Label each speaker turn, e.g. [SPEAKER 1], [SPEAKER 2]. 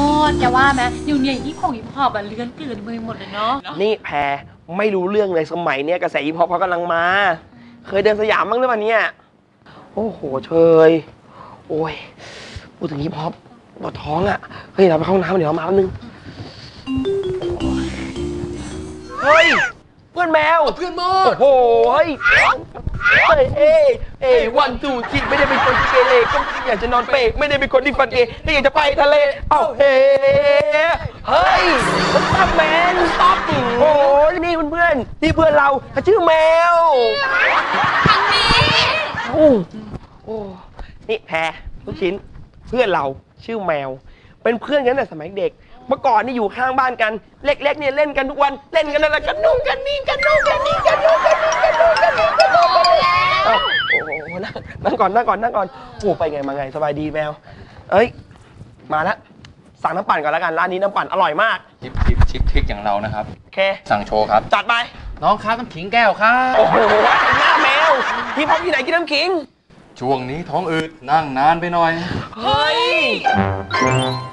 [SPEAKER 1] ดแกว่าไหมอยู่เนี่ยฮิปฮอปอะเลื้อนเกลื่อนไปหมดเลยเนาะ
[SPEAKER 2] นี่แพรไม่รู้เรื่องเลยสมัยเนี้ยกระแสฮิปฮอปเขากำลังมาเคยเดินสยามบ้างหรือเปล่าเนี่ยโอ้โหเชยโอ้ยพูดถึงฮิปฮอปปวดท้องอ่ะเฮ้ยเราไปเข้าห้องน้ำเดี๋ยวเรามาแป๊บนึงเฮ้ยเพื่อนแมว
[SPEAKER 3] เพื่อนโม
[SPEAKER 2] โอ้โหเฮ้ยวันจูจีไม่ได้เป็นคนที่เกเรก็อยากจะนอนเปรไม่ได้เป็นคนที่ฟันเอที่อยากจะไปทะเลเอ้าเฮ้ยตั้มแมนตั้มโอ้ยนี่เพื่อนนี่เพื่อนเราเขาชื่อแมว
[SPEAKER 1] ทางนี้
[SPEAKER 2] โอ้นี่แพรลูกชิ้นเพื่อนเราชื่อแมวเป็นเพื่อนกันแต่สมัยเด็กเมื่อก่อนนี่อยู่ข้างบ้านกันเล็กๆเนี่ยเล่นกันทุกวันเล่นกันอะไรกันนุ่งกันนี่กันนุ่งกันนี่กันนุ่งกันนี่กันนุ่งกันนี่กันนุ่งกันนี่โอ้โหนั่งก่อนโอ้ไปไงมาไงสบายดีแมวเอ้ยมาแล้วสั่งน้ำปั่นก่อนแล้วกันร้านนี้น้ำปั่นอร่อยมาก
[SPEAKER 3] ชิคทิกอย่างเรานะครับ
[SPEAKER 2] โอเค
[SPEAKER 3] สั่งโชว์ครับ
[SPEAKER 2] จัดไป
[SPEAKER 3] น้องครับน้ำขิงแก้วครับ
[SPEAKER 2] โอ้โหหน้าแมวพี่พร้อมที่ไหนกินน้ำขิง
[SPEAKER 3] ช่วงนี้ท้องอืดนั่งนานไปหน่อย
[SPEAKER 2] เฮ้ย